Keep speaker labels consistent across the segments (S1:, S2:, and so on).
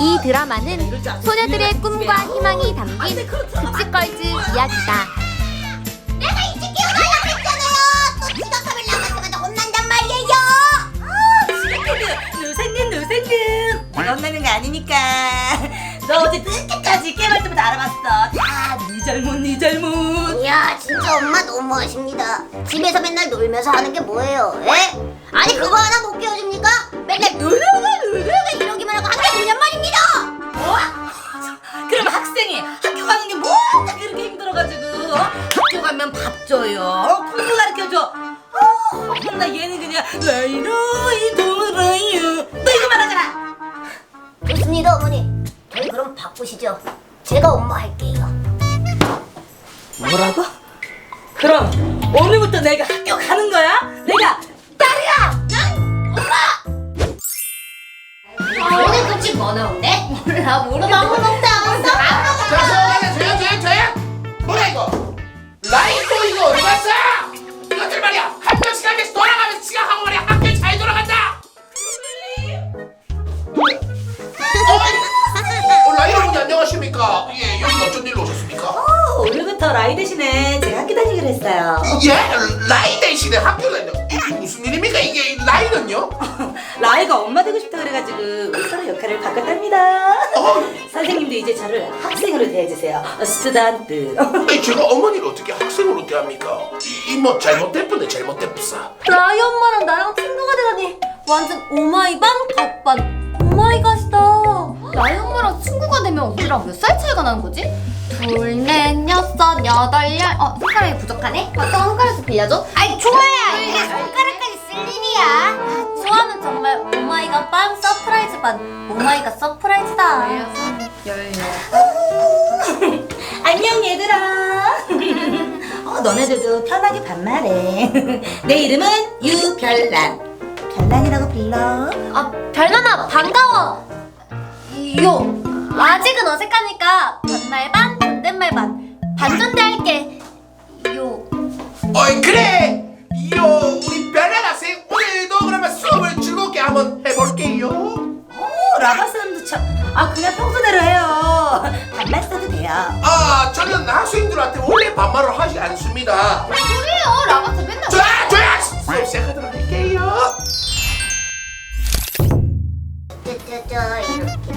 S1: 이 드라마는 소녀들의 꿈과 희망이 담긴 급식걸즈 이야기다.
S2: 내가 일찍 깨어나려고 했잖아요. 또 지각하면 나갔으면 혼난단 말이에요.
S3: 지각해도 누생근 내가 혼나는 거 아니니까. 너 어제 늦게까지 게임할 때마다 알아봤어. 다 네 잘못 네 잘못.
S2: 이야, 진짜 엄마 너무하십니다. 집에서 맨날 놀면서 하는 게 뭐예요? 에? 아니 그거 하나 못 깨워줍니까? 맨날 놀르르 이러기만 하고 학교 오냔 말입니다.
S3: 뭐? 그럼 학생이 학교 가는 게 뭐가 그렇게 힘들어가지고 학교 가면 밥 줘요, 공부 가르쳐줘. 나 얘는 그냥 라이로이 돌아요 너 이거만 하잖아.
S2: 좋습니다 어머니. 저희 그럼 바꾸시죠. 제가 엄마 할게요.
S3: 뭐라고? 그럼 오늘부터 내가 학교 가는 거야? 내가 딸이야!
S2: 오늘 급식 뭐 나온대? 몰라 아무것도 안 왔어.
S4: 저야 뭐야 이거 라이토 이거 어디 갔어? 이것들 말이야 학교 시간에 돌아가면서 지각하고 말이야 학교에 잘 돌아간다. 라이토님 안녕하십니까? 예, 여기 어쩐 일로 오셨습니까?
S3: 오늘부터 라이 대신에 제가 학교 다니기로 했어요.
S4: 예, 라이 대신에 학교 다녀. 이게 무슨 일입니까? 이게 라이는요?
S3: 라이가 엄마 되고 싶다 그래가지고 우리 서로 역할을 바꿨답니다. 선생님도 이제 저를 학생으로 대해주세요. 스튜던트.
S4: 아니 제가 어머니를 어떻게 학생으로 대합니까? 뭐 잘못됐쁘네 잘못됐쁘사.
S1: 라이 엄마랑 나랑 친구가 되다니 완전 오마이 반 갓반 오마이 갓이다. 라이 엄마랑 친구가 되면 우리랑 몇 살 차이가 나는 거지? 둘, 넷, 여섯, 여덟, 열. 손가락이 부족하네? 또 한 가락씩 빌려줘?
S2: 아이 좋아야 이게 손가락까지 쓸 일이야.
S1: 좋아는 정말 오마이갓 반 서프라이즈 반 오마이갓 서프라이즈다.
S3: 안녕 얘들아. 너네들도 편하게 반말해. 내 이름은 유별난. 별난이라고 불러.
S1: 별난아 반가워. 요 아직은 어색하니까 반말 반 존댓말 반 반존대 할게. 요
S4: 어이 그래. 우리 별난 학생 오늘도 그러면 수업을 즐겁게 한번 해볼게요.
S3: 라바 사람도 참. 그냥 평소대로 해요. 반말 써도 돼요.
S4: 저는 학생들한테 원래 반말을 하지 않습니다.
S1: 소리예요 라바트 맨날.
S4: 조야 수업 시작하도록 할게요.
S2: 이렇게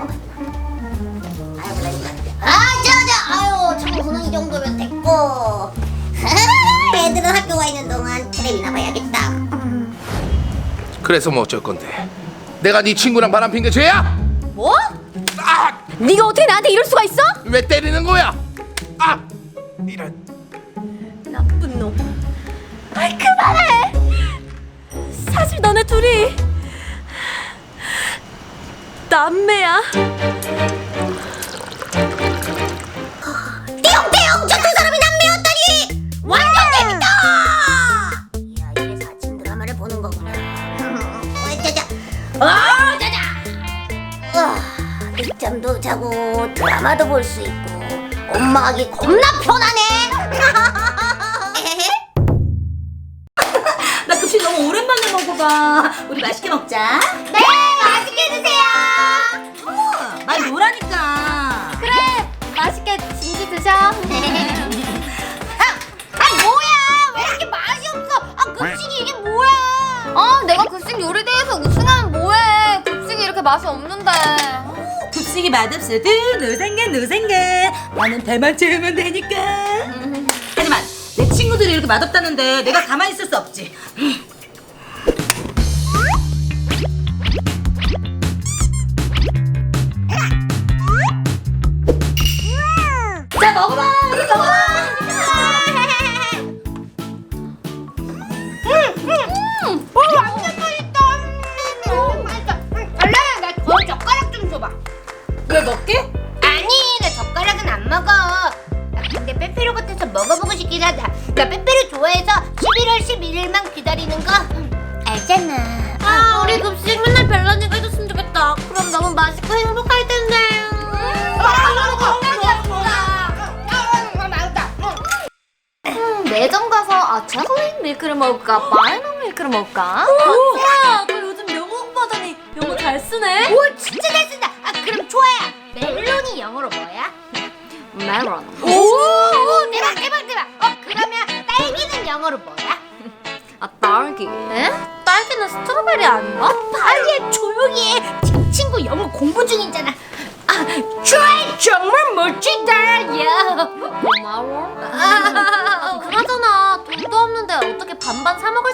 S2: 아유 청소는 이 정도면 됐고. 애들은 학교 가 있는 동안 텔레비나 봐야겠다.
S4: 그래서 뭐 어쩔 건데? 내가 네 친구랑 바람 핀 게 죄야?
S1: 뭐? 네가 어떻게 나한테 이럴 수가 있어?
S4: 왜 때리는 거야? 이런.
S1: 나쁜 놈. 그만해. 사실 너네 둘이 남매야.
S2: 띠용띠용 저 두 사람이 남매였다니 완전 재밌다. 이야 이래서 아침 드라마를 보는 거구나. 늦잠도 자고 드라마도 볼 수 있고 엄마 하기 겁나 편하네.
S3: 나 급식 너무 오랜만에 먹어봐. 우리 맛있게 먹자.
S2: 네 맛있게 드세요.
S3: 말 놓으라니까.
S1: 그래 맛있게 진지 드셔.
S2: 뭐야 왜 이렇게 맛이 없어. 급식이 이게 뭐야.
S1: 내가 급식 요리대회에서 우승하면 뭐해. 급식이 이렇게 맛이 없는데.
S3: 급식이 맛없어도 노생겐 나는 배만 채우면 되니까. 하지만 내 친구들이 이렇게 맛없다는데 내가 가만히 있을 수 없지. 자 먹어봐. 우리 먹어봐.
S2: 완전 맛있다. 맛있다. 알라야 나 젓가락 좀 줘봐.
S3: 왜 먹게?
S2: 아니 나 젓가락은 안 먹어. 나 근데 빼빼로 같아서 먹어보고 싶긴 하다. 나 빼빼로 좋아해서 11월 11일만 기다리는 거 알잖아.
S1: 우리 급식 맨날 별난이가 해줬으면 좋겠다. 그럼 너무 맛있고 행복할 텐데. 매점 가서 초콜릿 밀크를 먹을까 바나나 밀크를 먹을까? 우와 너 요즘 영어 공부하더니 영어 잘 쓰네?
S2: 오 진짜 잘 쓴다. 그럼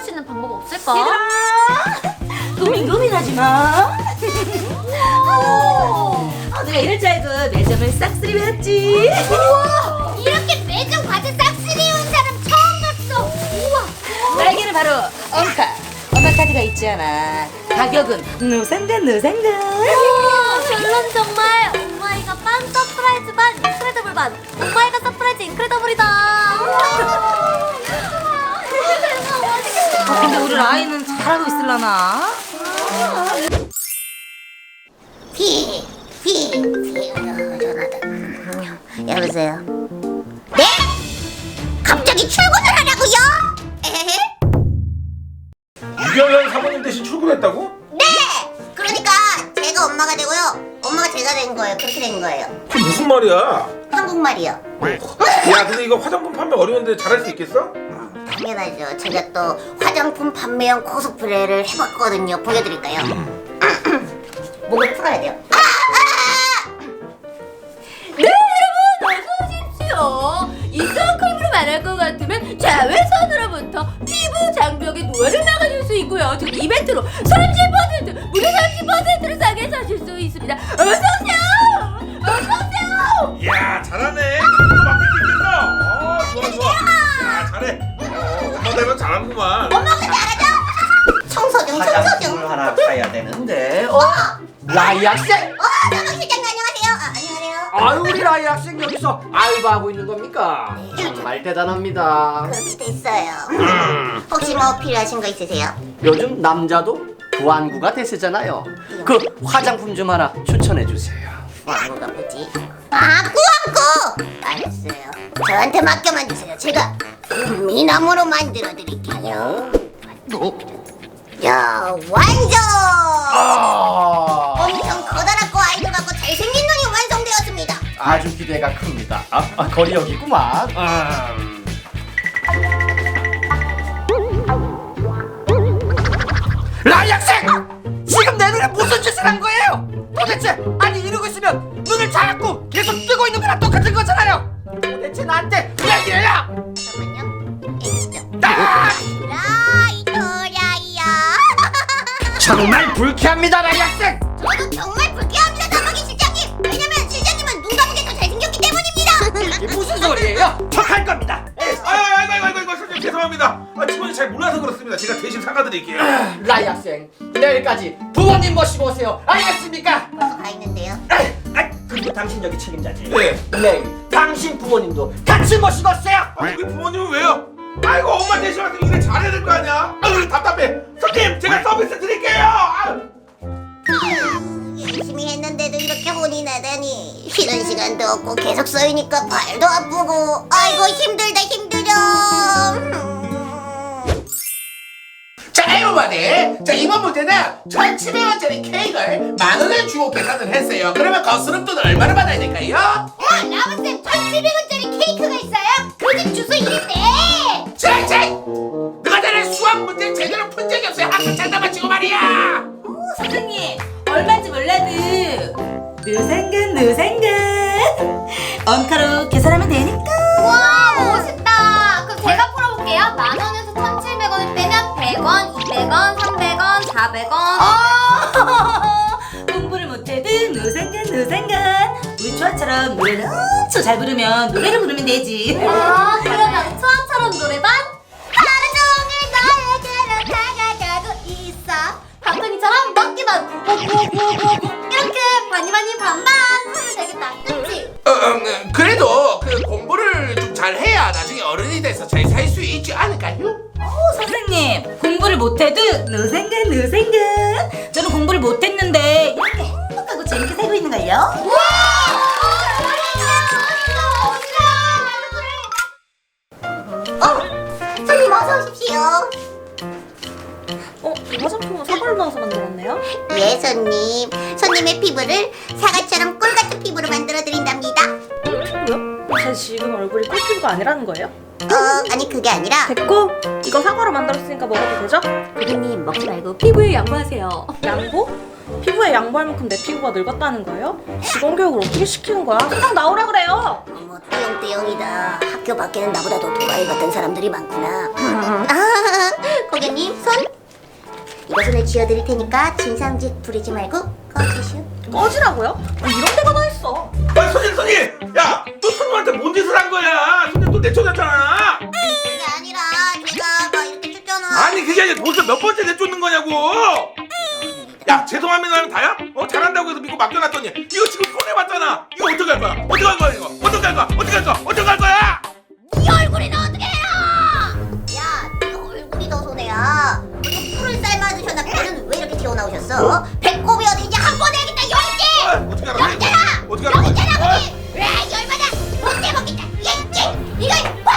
S1: 수 있는 방법 없을까?
S3: 고민하지 마. 내가 이럴 줄 알고 매점을 싹쓸이 배웠지.
S2: 우와, 이렇게 매점 과자 싹쓸이 온 사람 처음 봤어. 우와.
S3: 날개는 바로 엄카 카드가 있잖아. 가격은 누상간.
S1: 결론 정말 오마이갓 반 서프라이즈 반 인크레더블 반 오마이갓 서프라이즈 인크레더블이다.
S3: 근데 우리 라인은 잘하고 있을라나?
S2: 전화다. 여보세요. 네? 갑자기 출근을 하라고요? 에헤?
S4: 유경련 사모님 대신 출근했다고?
S2: 네. 그러니까 제가 엄마가 되고요. 엄마가 제가 된 거예요. 그렇게 된 거예요.
S4: 그게 무슨 말이야?
S2: 한국말이요.
S4: 야 근데 이거 화장품 판매 어려운데 잘할 수 있겠어?
S2: 당연하죠. 제가 또 화장품 판매용 코스프레를 해봤거든요. 보여드릴까요? 목을 풀어야 돼요.
S1: 네 여러분 어서 오십시오. 이 선크림으로 말할 것 같으면 자외선으로부터 피부 장벽에 노화를 막아줄 수 있고요. 지금 이벤트로 30% 무려 30%를 싸게 사실 수 있습니다. 어서 오세요. 어서 오세요.
S4: 이야 잘하네. 이것도 맡길 수 있겠어. 좋아. 야 잘해. 엄마 되면 잘하는구만.
S2: 엄마가 잘하죠? 청소 중.
S5: 화장품을 하나 사야 되는데. 라이 학생?
S2: 정국 실장님 안녕하세요. 안녕하세요.
S5: 아유 우리 라이 학생 여기서 알바하고 있는 겁니까? 정말 대단합니다.
S2: 그렇게 됐어요. 혹시 뭐 필요하신 거 있으세요?
S5: 요즘 남자도 부안구가 대세잖아요. 그 화장품 좀 하나 추천해 주세요.
S2: 뭐가 뭐지? 아, 꾸안꾸! 알았어요. 저한테 맡겨만 주세요. 제가 미나무로 만들어 드릴게요. 야, 완전! 엄청 커다랗고 아이돌 같고 잘생긴 눈이 완성되었습니다.
S5: 아주 기대가 큽니다. 거리 여기구만. 라이 학생! 지금 내 눈에 무슨 짓을 한 거예요? 도대체 아니 이러고 있으면 눈을 자꾸 계속 뜨고 있는 거랑 똑같은 거잖아요. 도대체 나한테 왜 이래요?
S2: 잠깐만요. 있죠.
S5: 아!
S2: 라이토라이야.
S5: 정말 불쾌합니다, 라이 학생.
S2: 저도 정말 불쾌합니다, 나박이 실장님. 왜냐면 실장님은 눈 감은 게 더 잘생겼기 때문입니다.
S5: 이게 무슨 소리예요? 척할 겁니다.
S4: 아이고 선생님 죄송합니다. 직원이 잘 몰라서 그렇습니다. 제가 대신 사과드릴게요.
S5: 라이 학생, 내일까지 부모님 모시고 오세요. 알겠습니까?
S2: 벌써 가 있는데요.
S5: 그리고 당신 여기 책임자지.
S4: 네.
S5: 내일 당신 부모님도 같이 모시고 오세요.
S4: 우리 부모님은 왜요? 아이고 엄마 대신 와서 일을 잘해야 될 거 아니야? 아유 답답해. 선생님 제가 서비스 드릴게요. 아유.
S2: 열심히 했는데도 이렇게 혼이 나다니. 쉬는 시간도 없고 계속 써이니까 발도 아프고. 아이고 힘들어.
S4: 자 여러분들, 자 이번 문제는 1,700원짜리 케이크를 10,000원을 주고 계산을 했어요. 그러면 거스름돈 얼마를 받아야 될까요?
S2: 라바쌤 1,700원짜리 케이크가 있어요? 그 집 주소 이랬대.
S4: 누가 나를 수학 문제 제대로 푼 적이 없어요. 학교 장난만 치고 말이야.
S3: 선생님 얼마인지 몰라도 누상간 엄카로 계산하면 되니까.
S1: 와 멋있다. 그럼 제가 풀어볼게요. 10,000원에서 1,700원을 빼면 100원, 200원, 300원, 400원.
S3: 공부를 못해도 누상간 우리 초아처럼 노래를 엄청 잘 부르면 노래를 부르면 되지.
S1: 그러면 초아처럼 노래방? 하루 종일 너에게로 다가가고 있어. 박근이처럼 먹기만 고고고고고 이렇게 많이 반반 하면 되겠다. 그치?
S4: 그래도 그 공부를 좀 잘해야 나중에 어른이 돼서 잘 살 수 있지 않을까요?
S3: 선생님 공부를 못해도 누상간 저는 공부를 못했는데 이렇게 행복하고 재밌게 살고 있는걸요.
S2: 손님 어서 오십시오.
S1: 이 화장품은 사과를 넣어서 만들었네요?
S2: 예, 손님. 손님의 피부를 사과처럼 꿀 같은 피부로 만들어 드린답니다.
S6: 제 지금 얼굴이 꿀피부가 아니라는 거예요?
S2: 아니 그게 아니라
S6: 됐고 이거 사과로 만들었으니까 먹어도 되죠?
S1: 고객님 먹지 말고 피부에 양보하세요.
S6: 양보? 피부에 양보할 만큼 내 피부가 늙었다는 거예요? 직원 교육을 어떻게 시키는 거야? 세상 나오라 그래요!
S2: 어머 띠용띠용이다. 학교 밖에는 나보다 더 도라이 같은 사람들이 많구나. 고객님 손. 이거 손에 쥐어드릴 테니까 진상짓 부리지 말고 꺼주시오.
S6: 꺼지라고요? 이런 데가 다 있어.
S4: 아니 손님 야 또 손님한테 뭔 짓을 한 거야? 손님 또 내쫓았잖아.
S2: 그게 아니라 제가 막 이렇게 쫓잖아.
S4: 아니 그게 아니라 벌써 몇 번째 내쫓는 거냐고. 야 죄송합니다 하면 다야? 잘한다고 해서 믿고 맡겨놨더니 이거 지금 손해봤잖아. 이거 어떡할 거야? 어떡할 거야 이거? 어떡할 거야? 어떡할 거야? 어떡할 거야?
S2: 네 얼굴이 너 어떻게 해요? 야, 네 얼굴이 더 손해야. 이거 풀을 삶아드셨나? 배는 왜 이렇게 튀어나오셨어? 배꼽이 어딘지 한 번 해야겠다. 여기 있지?
S4: 어떻게 하라고?
S2: 여기잖아.
S4: 어떻게 하라고?
S2: 여기잖아, 거기. 왜 열받아? 못해 먹겠다. 얘, 이거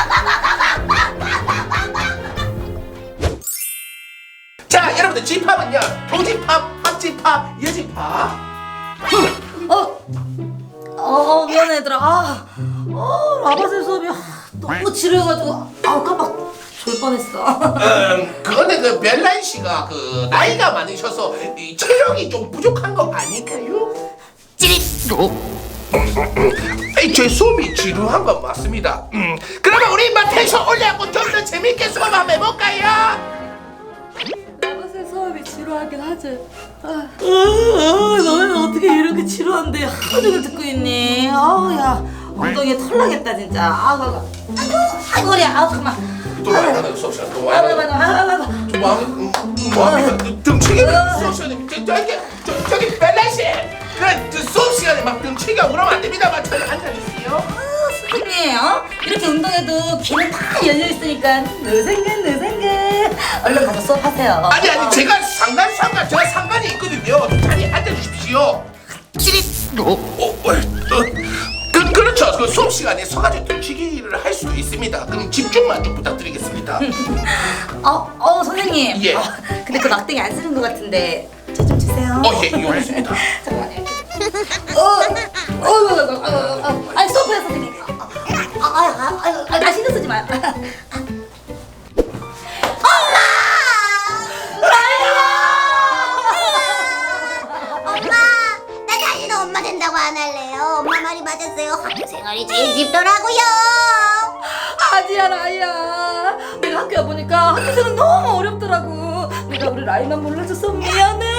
S4: 자 여러분들 집합은요 교집합, 합집합, 여집합.
S3: 미안해 얘들아. 라바셀 수업이 너무 지루해가지고 깜빡 졸 뻔했어.
S4: 그거는 그 벨란 씨가 그 나이가 많으셔서 이 체력이 좀 부족한 거 아닐까요? 찌릿. 제 수업이 지루한 건 맞습니다. 그러면 우리 인마 텐션 올려갖고 좀 더 재밌게 수업 한번 해볼까요?
S3: 라바셀 수업이 지루하긴 하지. 너는 어떻게 이렇게 지루한데 하루 종일 듣고 있니? 야 엉덩이에 털 나겠다 진짜. 아이고 허리야. 잠깐만.
S4: 또 많이 하는 수업 시간 또 많이 하는 뭐하면 등치기 수업 시간에 저기 벨란 씨 그 수업 시간에 막 등치기가 그러면 안 됩니다만 저기 앉아주세요.
S3: 선생님 이렇게 운동해도 귀는 다 열려있으니까 느생근 얼른 가서 수업하세요.
S4: 아니 제가 제가 상관이 있거든요. 좀 자리에 앉아주십시오. 그렇죠. 그 수업 시간에 서가지고 등치기를 할 수도 있습니다. 그럼 집중만 좀 부탁드리겠습니다.
S3: 선생님.
S4: 예.
S3: 근데 그 막대기 안 쓰는 것 같은데 저 좀 주세요.
S4: 예, 이용했습니다.
S3: 잠깐만요. 이렇게. 아니 수업해요 선생님. 나 신경 쓰지 마요.
S2: 엄마, 나 다시는 엄마 된다고 안 할래요. 엄마 말이 맞았어요. 학교 생활이 제일 쉽더라고요.
S3: 아니야 라이야. 내가 학교 와보니까 학교생활 너무 어렵더라고. 내가 우리 라이만 몰라줘서 미안해.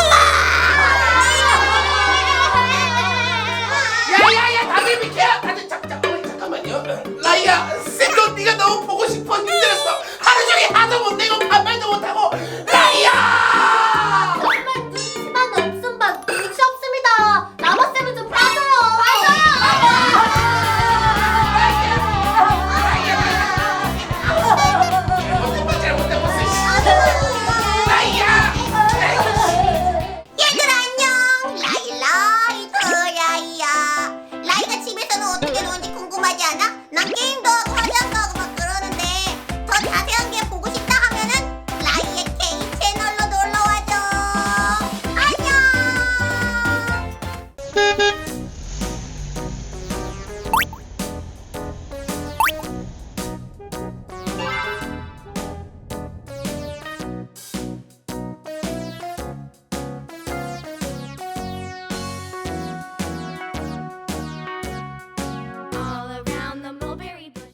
S4: 야야야 다들 비켜. 다들 잠깐만요. 라이야 쌤도 네가 너무 보고 싶어 힘들었어. 하루 종일 하도 못 내고 반말도 못하고. 라이야.
S1: 정말 눈치만 없음 반 눈치 없습니다. 라바쌤은 좀 빠져요.
S2: 얘들아 안녕. 라이라이 라이야. 라이가 집에서는 어떻게 노는지 궁금하지 않아? 난 게임